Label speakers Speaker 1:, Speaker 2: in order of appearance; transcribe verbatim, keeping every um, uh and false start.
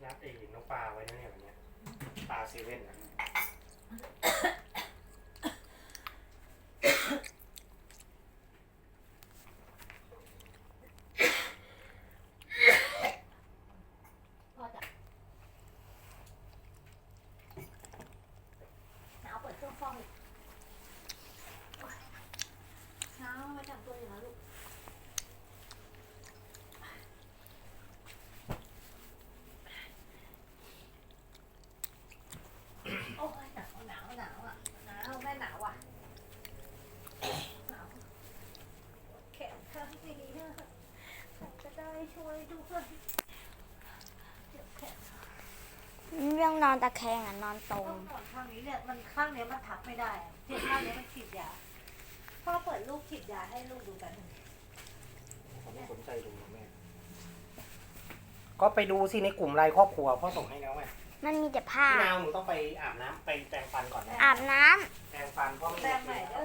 Speaker 1: นัดไอ้น้องปลาไว้นะเนี่ยวันนี้ปลาเซเว่นนะ
Speaker 2: พ่อจะหนาวเปิดเครื่องฟอกอีกหนาวมาจับตัวอยู่นะลูกโอ้ยหนาวหนาวหนาวอ่ะหนาวแม่หนาวอ่ะหนาวแขนข้างนี้ใครจะได้ช่วยด้วยเจ็บแขน
Speaker 3: เรื่องนอนตะแคงอ่ะนอนตร
Speaker 2: ต้อง งนอนข้างนี้เนี่ยมันข้างเนี้ยมันทับไม่ได้อะเจ็บข้างเนี้ยมันฉีดยาพ่อเปิดลูกฉีดยาให้ลูกดูกัน
Speaker 1: ผมไม่สนใจดูนะแม่ก็ไปดูสิในกลุ่มไลน์ครอบครัวพ่อส่งให้แล้วไง
Speaker 3: มันมีแต่ผ้า
Speaker 1: พี่นาวหนูต้องไปอาบน้ำไปแปรงฟันก่อนนะ
Speaker 3: อาบน้ำ
Speaker 1: แปรงฟันพ่อไม่
Speaker 2: แปร
Speaker 1: ได้
Speaker 2: งใหม่ได้